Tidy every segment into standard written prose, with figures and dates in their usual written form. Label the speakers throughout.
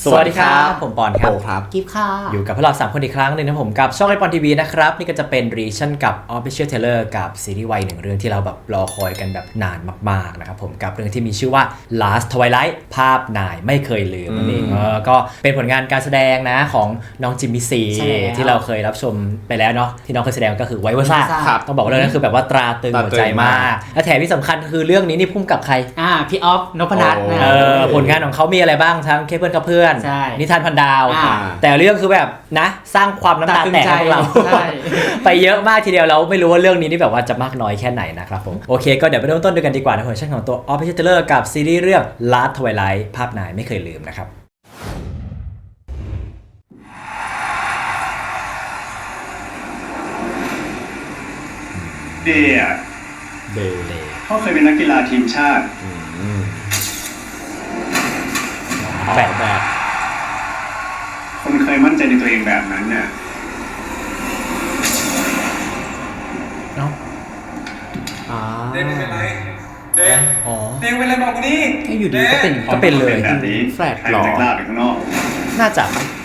Speaker 1: สวัสดีครับผมปอนครับ
Speaker 2: กิฟต์ค่ะ
Speaker 1: อยู่กับพวกเรา3คนอีกครั้งหนึ่งนะผมกับช่องไอปอนทีวีนะครับนี่ก็จะเป็นรีชั่นกับ Official Trailer กับซีรีส์วัยหนึ่งเรื่องที่เราแบบรอคอยกันแบบนานมากๆนะครับผมกับเรื่องที่มีชื่อว่า Last Twilight ภาพนายไม่เคยลืมนั่นเองก็เป็นผลงานการแสดงนะของน้องจิมมี่ซีที่เราเคยรับชมไปแล้วเนาะที่น้องเคยแสดงก็คือไวเวอร์ซ่าต้องบอกว่าเรื่องนั้นคือแบบว่าตราตึงหัวใจมากและแถมที่สำคัญคือเรื่องนี้นี่พุ่งกับใคร
Speaker 2: พี่ออฟนพนัท
Speaker 1: ผลงานของเขามีอะไรบ้างทั้งเคเบิลกับเพื่อนนิทานพันดาวแต่เรื่องคือแบบนะสร้างความน้ำตาแตกให้พวกเราไปเยอะมากทีเดียวแล้วไม่รู้ว่าเรื่องนี้นี่แบบว่าจะมากน้อยแค่ไหนนะครับผมโอเคก็เดี๋ยวไปเริ่มต้นด้วยกันดีกว่านะผมช่องของตัว Official Trailer กับซีรีส์เรื่อง Last Twilight ภาพนายไม่เคยลืมนะครับ
Speaker 3: เดย์เขาเคยเป็นนักกีฬาทีมชาติ
Speaker 1: แบบ
Speaker 3: คนเคยมั่นใจในตัวเองแบบนั้นเนี่ย
Speaker 4: เดนเป็นไรเดนเป็นไรบอกกูนี่
Speaker 2: อยู่ดีก็
Speaker 1: เป็นเลย
Speaker 3: แบบนี้
Speaker 2: แฟลตหรอ
Speaker 3: ใครจะกล้าไปข้างนอก
Speaker 1: น่าจะ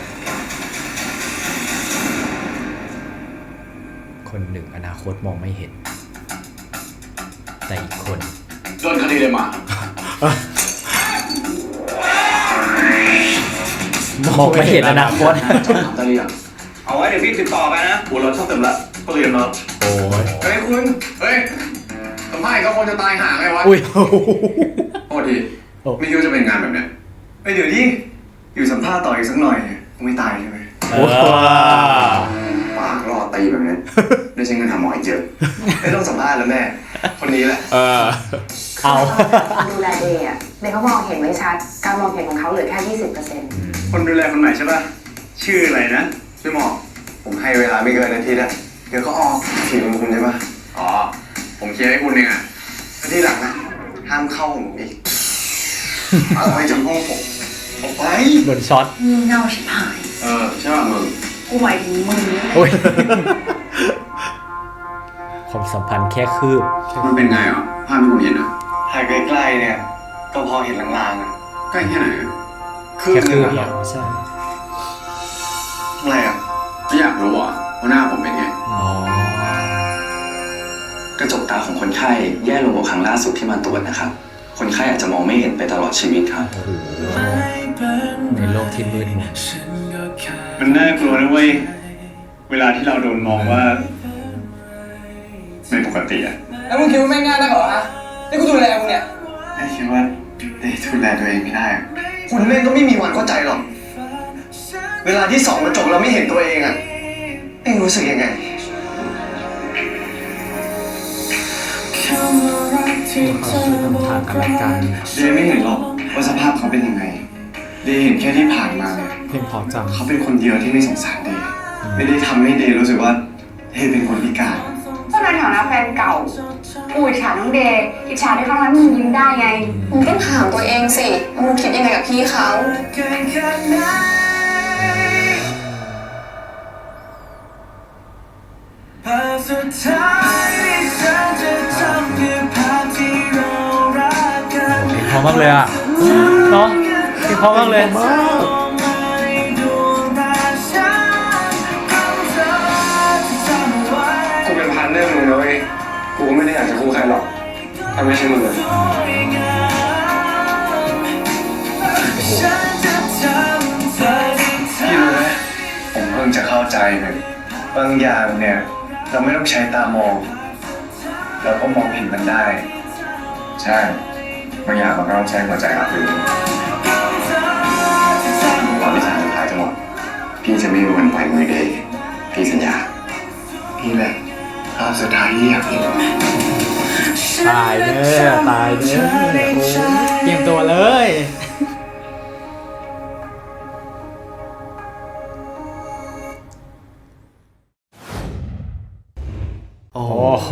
Speaker 1: คนหนึ่งอนาคตมองไม่เห็นแต่อีกคน
Speaker 4: โดนคดีเลยมาม
Speaker 1: องไม่เห็นอนาคต
Speaker 4: ถามตาเรียงเอาไว้เดี๋ยวพี่ติดต่อไปนะหัวเราชอบเต็มละก็เรียนมา
Speaker 1: โอ้ย
Speaker 4: เฮ้ยคุณเฮ้ยทำไมก็คงจะตายห่าไงวะ
Speaker 1: อุ้ย
Speaker 4: โทษทีไม่คิดว่าจะเป็นงานแบบเนี้ยเดี๋ยวดิอยู่สัมภาษณ์ต่ออีกสักหน่อยคงไม่ตายใช่ไหมปากรอตีแบบนี้ได้ใช้เงินทำหมออีกเยอะไม่ต้องสัมภาษณ์แล้วแม่คนนี้แหละ
Speaker 1: เอา
Speaker 5: ดูแลเดย์อ่ะเดย์เขามองเห็นไม่ชัดการมองเห็นของเขาเหลือแค่ 20%
Speaker 3: คนดูแลคนใหม่ใช่ป่ะชื่ออะไรนะ
Speaker 4: ชื่อหมอผมให้เวลาไม่เกินอาทิตย์อะเดี๋ยวก็ออกทีมคุณใช่ป่ะอ๋อผมเคลียร์ให้คุณเองอะแล้วที่หลังนะห้ามเข้าผมอีกเอาไปจากห้องผมออกไป
Speaker 1: โดนช็อต
Speaker 5: งี่เง่าชิบหาย
Speaker 4: ใช่ป่ะมึง
Speaker 5: กูหมายถึงมึง
Speaker 1: ความสัมพันธ์แค่คืบ
Speaker 4: มันเป็นไงอ่ะภาพที่ผมเห็นอ่ะ
Speaker 3: ถ่ายใกล้ๆเนี่ยก็พอเห็นลางๆอ่ะ
Speaker 4: ใกล้แค่ไหน
Speaker 1: แค่คืบเหรอใช่
Speaker 4: อะไรอ่ะไม่อยากรู้อ่ะว่าหน้าผมเป็นไงกระจกตาของคนไข้แย่ลงกว่าครั้งล่าสุดที่มาตรวจนะครับคนไข้อาจจะมองไม่เห็นไปตลอดชีวิตครับ
Speaker 1: ในโลกที่มืดมน
Speaker 3: มันน่ากลัวนะเว้ยเวลาที่เราโดนมองว่าไม่ปกติอ่ะ
Speaker 4: แล้วมึงคิดว่าแม่งง่ายได้เหรอฮะนี่กูดูแลมึงเนี่ย
Speaker 3: ไม่คิดว่าดูแลตัวเองไม่ได้
Speaker 4: คุณแม่งก็ไม่มีวันเข้าใจหรอกเวลาที่ส่องกระจกเราไม่เห็นตัวเองอ่ะเอ็งรู้สึกยังไง
Speaker 2: ทางกัน
Speaker 3: เดย์ไม่เห็นหรอกว่าสภาพเขาเป็นยังไงเดย์เห็นแค่ที่ผ่านมาเนี่ย
Speaker 2: เพียงพอจัง
Speaker 3: เขาเป็นคนเดียวที่ไม่สงสารเดย์ไม่ได้ทำให้เดย์รู้สึกว่าเดย์เป็นคนพิการ
Speaker 5: ก็ในฐานะแฟนเก่ากูอิจฉาน้องเดย์อิจฉาที่เขาทำให้มึงยิ้มได้ไงมึงต้องถามตัวเองสิมึงคิดยังไงกับพี่เขา
Speaker 1: เพราะมากเลยอ่ะเนาะเพราะมากเลย
Speaker 3: กูเป็นพันเรื่องมึงนะเว้ยกูก็ไม่ได้อยากจะคู่ใครหรอกถ้าไม่ใช่มึงเลยพี่รู้ไหมผมเพิ่งจะเข้าใจเลยบางอย่างเนี่ยเราไม่ต้องใช้ตามองเราก็มองเห็นมันได้ใช่บางอย่างมันก็ต้องใช้หัวใจรับรู้ก่อนที่ทางสุดท้ายจะหมดพี่จะไม่มีวันปล่อยมือเดย์พี่สัญญาพี่แหละภาพสุดท้ายที่อยากเห็น
Speaker 2: ตายเด้อตายเด้อเตรียมตัวเลย
Speaker 1: โอ้โห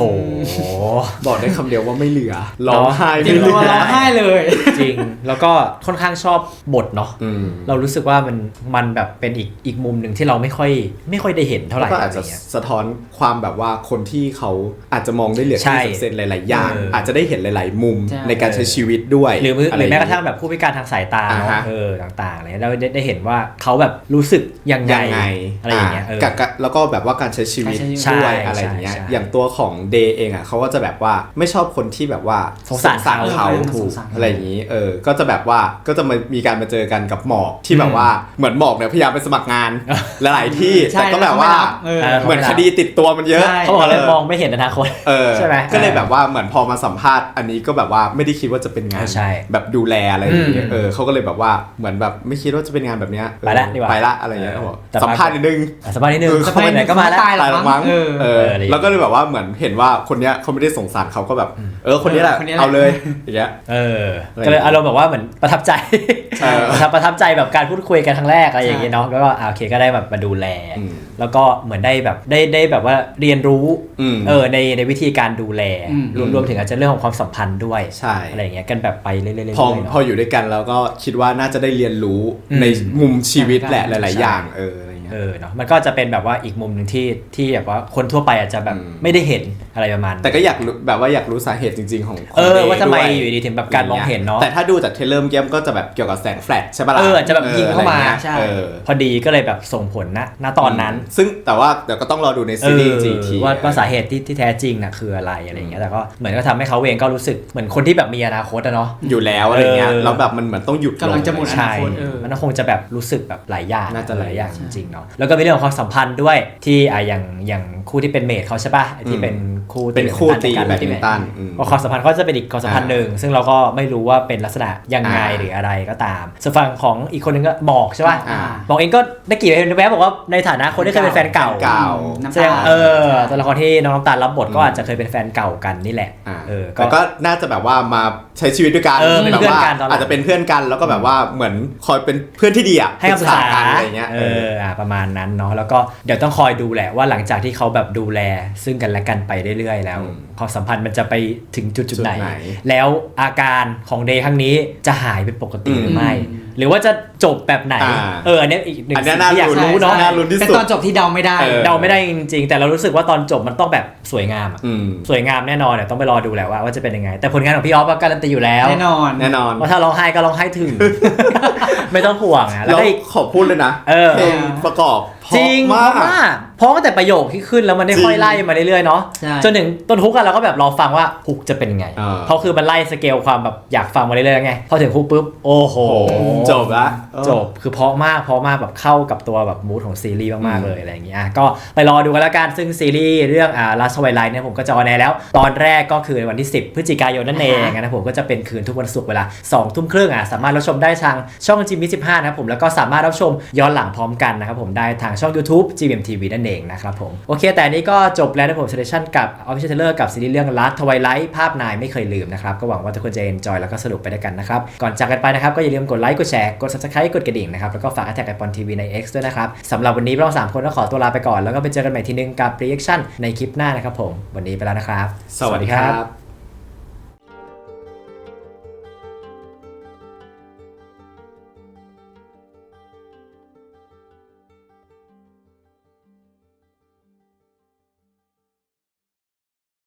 Speaker 2: บอกได้คำเดียวว่าไม่เหลือร้องไห้
Speaker 1: เนอะ
Speaker 2: จริง
Speaker 1: ไม่เหลือ
Speaker 2: ร้องไห้เลย
Speaker 1: จริงแล้วก็ค่อนข้างชอบบทเนาะเรารู้สึกว่ามันแบบเป็นอีกมุมหนึ่งที่เราไม่ค่อยได้เห็นเท่าไหร่
Speaker 2: ก็อาจจะสะท้อนความแบบว่าคนที่เขาอาจจะมองได้เหลือ
Speaker 1: ใช่
Speaker 2: ที่เซนหลายๆอย่าง อาจจะได้เห็นหลายๆมุม
Speaker 6: ใช่
Speaker 2: ในการใช้ชีวิตด้วย
Speaker 1: หรือ
Speaker 2: อะ
Speaker 1: ห
Speaker 2: ไ
Speaker 1: รือแม้กระทั่งแบบผู้พิการทางสายตาเนาะ
Speaker 2: อ่าฮะ
Speaker 1: ต่างๆอะไรเราได้เห็นว่าเขาแบบรู้สึกยังไง
Speaker 2: ยังไง
Speaker 1: อะไรอย่างเงี้ย
Speaker 2: กับแล้วก็แบบว่าการใช้ชีวิต
Speaker 1: ใช่
Speaker 2: ด้วยอะไรอย่างเงี้ย
Speaker 1: ใช่
Speaker 2: อย่างตัวของเดย์เองอ่ะเขาก็จะแบบว่าไม่ชอบคนที่แบบว่า
Speaker 1: สงสารเขา
Speaker 2: ถู
Speaker 6: ส
Speaker 2: ก
Speaker 6: งสารเขา
Speaker 2: อะไรอย่างงี้ก็จะแบบว่าก็จะมีการมาเจอกันกับหมอกที่แบบว่าเหมือนหมอกเนี่ยพยายามไปสมัครงานหลายๆที่
Speaker 6: ใช่
Speaker 2: แต่ก็แบบว่า
Speaker 6: แล้วเขาไม่รับ
Speaker 2: เหมือนคดีติดตัวมันเยอะ
Speaker 6: ใช่
Speaker 1: เขาบอกเลยมองไม่เห็นอนาคต ใช่ไหม
Speaker 2: ก็เลยแบบว่าเหมือนพอมาสัมภาษณ์อันนี้ก็แบบว่าไม่ได้คิดว่าจะเป็นงาน
Speaker 1: ใช่
Speaker 2: แบบดูแลอะไรอย่างเงี้ย
Speaker 1: อืม
Speaker 2: เขาก็เลยแบบว่าเหมือนแบบไม่คิดว่าจะเป็นงานแบบเนี้ย
Speaker 1: ไปละดีกว่า
Speaker 2: ไปละอะไรอย่างเงี้ยเขาบอก
Speaker 1: แต่
Speaker 2: สัมภาษณ์นิดนึง
Speaker 1: สบายนิดนึง
Speaker 2: สั
Speaker 1: เขาไปไหนก็มาแล้ว
Speaker 6: ตายหร
Speaker 2: ตาย
Speaker 6: อ
Speaker 2: แล้ว
Speaker 6: มั้
Speaker 2: มั้
Speaker 6: ง
Speaker 2: ง
Speaker 1: อะไรอย่างเงี้ย
Speaker 2: แล้วก็เลยแบบว่าเหมือนเห็นว่าคนเนี้ยเขาไม่ได้สงสารเขาก็แบบคนนี้แหละ
Speaker 6: คนนี้แหละ
Speaker 2: เอาเลยอย่างเงี้ย
Speaker 1: ก็เลยอารมณ์แบบว่าเหมือนประทับใจ
Speaker 2: เออ
Speaker 1: ประทับใจแบบการพูดคุยกันครั้งแรกอะไรอย่างเงี้ยเนาะแล้วก็โอเคก็ได้แบบมาดูแล
Speaker 2: อืม
Speaker 1: แล้วก็เหมือนได้แบบได้แบบว่าเรียนรู้
Speaker 2: อืม
Speaker 1: ในวิธีการดูแล
Speaker 6: อืม
Speaker 1: รวมถึงอาจจะเรื่องของความสัมพันธ์ด้วย
Speaker 2: ใช่
Speaker 1: อะไรอย่างเงี้ยกันแบบไปเรื่อยๆเรื่อย
Speaker 2: พอ
Speaker 1: ๆเนาะ
Speaker 2: พออยู่ด้วยกันแล้วก็คิดว่าน่าจะได้เรียนรู้
Speaker 1: อืม
Speaker 2: ในมุมชีวิตแหละห
Speaker 1: ใช่
Speaker 2: ลาย ๆ อย่างอะไรอย่างเงี้ย
Speaker 1: เนาะมันก็จะเป็นแบบว่าอีกมุมหนึ่งที่แบบว่าคนทั่วไปอาจจะแบบ
Speaker 2: อืม
Speaker 1: ไม่ได้เห็นอะไรประมาณนั้น
Speaker 2: แต่ก็อยากรู้แบบว่าอยากรู้สาเหตุจริง ๆ ของ
Speaker 1: ว่าทำไม
Speaker 2: ด้
Speaker 1: อยู่ดีถึงแบบการมองเห็นเนาะ
Speaker 2: แต่ถ้าดูจากเทรลเลอร์เมื่อกี้มันก็จะแบบเกี่ยวกับแสงแฟลชใช่ปะล่ะ
Speaker 1: อาจจะแบบยิงเข้ามา
Speaker 2: อะไรงี้ย
Speaker 6: ใช่
Speaker 1: พอดีก็เลยแบบส่งผลณตอนนั้น
Speaker 2: ซึ่งแต่ว่าเดี๋ยวก็ต้องรอดูในซีรีส์จริงๆที
Speaker 1: ว่าสาเหตุที่แท้จริงน่ะคืออะไรอะไรอย่างเงี้ยแต่ก็เหมือนก็ทำให้เขาเองก็รู้สึกเหมือนคนที่แบบมีอนาคตอะเนาะ
Speaker 2: อยู่แล้วอะไรเงี้ย
Speaker 1: เออ
Speaker 2: แล้วแบบมันเหมือนต้องหยุด
Speaker 6: กำลังจะหมด
Speaker 2: ล
Speaker 1: ใช่
Speaker 6: อนาคต
Speaker 1: มันก็คงจะแบบรู้สึกแบบหลายอย่าง
Speaker 2: น่าจะหลายอย่าง
Speaker 1: จริงๆเนาะแล้วก็มีเรื่องของความสัมพันธ์ด้วยที่อย่างคู่ที่เป็นเมทเขาใช่ป่ะไอ้ที่เป็นคู่
Speaker 2: เป็นคู่ตี
Speaker 1: กัน
Speaker 2: แบดมินตัน
Speaker 1: ก็ความสัมพันธ์ก็จะเป็นอีกความสัมพันธ์หนึ่งซึ่งเราก็ไม่รู้ว่าเป็นลักษณะยังไงหรืออะไรก็ตามส่วนฝั่งของอีกคนนึงก็หมอกใช่ป่ะ
Speaker 2: อ่า
Speaker 1: หมอกเองก็ได้กี่แวบบอกว่าในฐานะคนที่เคยเป็นแฟนเก่า
Speaker 2: เก่า
Speaker 6: น้ำ
Speaker 1: แสด
Speaker 6: ตาง
Speaker 1: ตัวละครที่น้องน้ำตาลรับบทก็อาจจะเคยเป็นแฟนเก่ากันนี่แหละ
Speaker 2: แต่ก็น่าจะแบบว่ามาใช้ชีวิตด้วยกัน
Speaker 1: เป็น
Speaker 2: แบบ
Speaker 1: เพื่อน
Speaker 2: ว่า
Speaker 1: กันตอนหลัง
Speaker 2: อาจจะเป็นเพื่อนกันแล้วก็แบบว่าเหมือนคอยเป็นเพื่อนที่ดีอ่ะ
Speaker 1: ให้คำปรึกษา
Speaker 2: กันอะไรเงี้ย
Speaker 1: ประมาณนั้นเนาะแล้วก็เดี๋ยวต้องคอยดูแหละว่าหลังจากที่เขาแบบดูแลซึ่งกันและกันไปเรื่อยๆแล้วความสัมพันธ์มันจะไปถึงจุดไหน แล้วอาการของเดย์ครั้งนี้จะหายเป็นปกติหรือไม่ หรือว่าจะจบแบบไหนอันนี้อีกหนึ่ง
Speaker 2: อันนี้
Speaker 1: สิ่ง
Speaker 2: น่า
Speaker 1: ที่อยาก
Speaker 2: ลุ้น
Speaker 1: รู้เนาะ
Speaker 2: น่าลุ้นที่
Speaker 6: เป็น
Speaker 2: สุด
Speaker 6: ตอนจบที่เดาไม่ได้
Speaker 1: เดาไม่ได้จริงๆแต่เรารู้สึกว่าตอนจบมันต้องแบบสวยงามอะ
Speaker 2: อืม
Speaker 1: สวยงามแน่นอนเดี๋ยวต้องไปรอดูแหละว่าจะเป็นยังไง แต่ผลงานของพี่ออฟก็การันตีอยู่แล้ว
Speaker 6: แน่นอน
Speaker 2: แน่นอน
Speaker 1: ว่าถ้าร้องไห้ก็ร้องไห้ถึง ไม่ต้องห่วงอะแล้ว
Speaker 2: แล้ว
Speaker 1: ก็อีก
Speaker 2: ขอพูดเลยนะ เพลงประกอบเพาะ
Speaker 1: จริง
Speaker 2: มาก
Speaker 1: เพราะตั้งแต่ประโยคที่ขึ้นแล้วมันได้
Speaker 2: จริง
Speaker 1: ค่อยไล่มาเรื่อยๆเนาะ
Speaker 6: ใช่
Speaker 1: จนถึงต้นฮุกอะเราก็แบบรอฟังว่าฮุกจะเป็นไง เพราะคือมันไล่สเกลความแบบอยากฟังมาเรื่อยๆไงพอถึงฮุกปุ๊บโอ้โห
Speaker 2: จบละ
Speaker 1: จบคือเพราะมากแบบเข้ากับตัวแบบมูดของซีรีส์มากๆเลยอะไรอย่างเงี้ยก็ไปรอดูกันแล้วกันซึ่งซีรีส์เรื่องLast Twilight เนี่ยผมก็จะออนแอร์แล้ว ตอนแรกก็คือวันที่ 10 พฤศจิกายนนั่นเองนะผมก็จะเป็นคืนทุกวันศุกร์เวลา 20:30สามารถรับชมได้ทางช่อง GMM25 นะครับผมแล้วก็สามารถรับชมย้อนหลังพร้อมกันนะครับผมได้ทางช่อง YouTube GMMTV นั่นเองนะครับผมโอเคแต่อันนี้ก็จบแล้วนะผมเซเลชั่นกับ Official Trailer กับซีรีส์เรื่อง Last Twilight ภาพนายไม่เคยลืมนะครับก็หวังว่าทุกคนจะ enjoy แล้วก็สนุกไปด้วยกันนะครับก่อนจากกันไปนะครับก็อย่าลืมกดไลค์กดแชร์กด Subscribe กดกระดิ่งนะครับแล้วก็ฝาก Attack iPon TV ใน X ด้วยนะครับสำหรับวันนี้เรา3คนก็ขอตัวลาไปก่อนแล้วก็ไปเจอกันใหม่ทีนึงกับ reaction ในคลิปหน้านะครับผมวันนี้ไปแล้วนะครับ
Speaker 2: สวัสดีครับ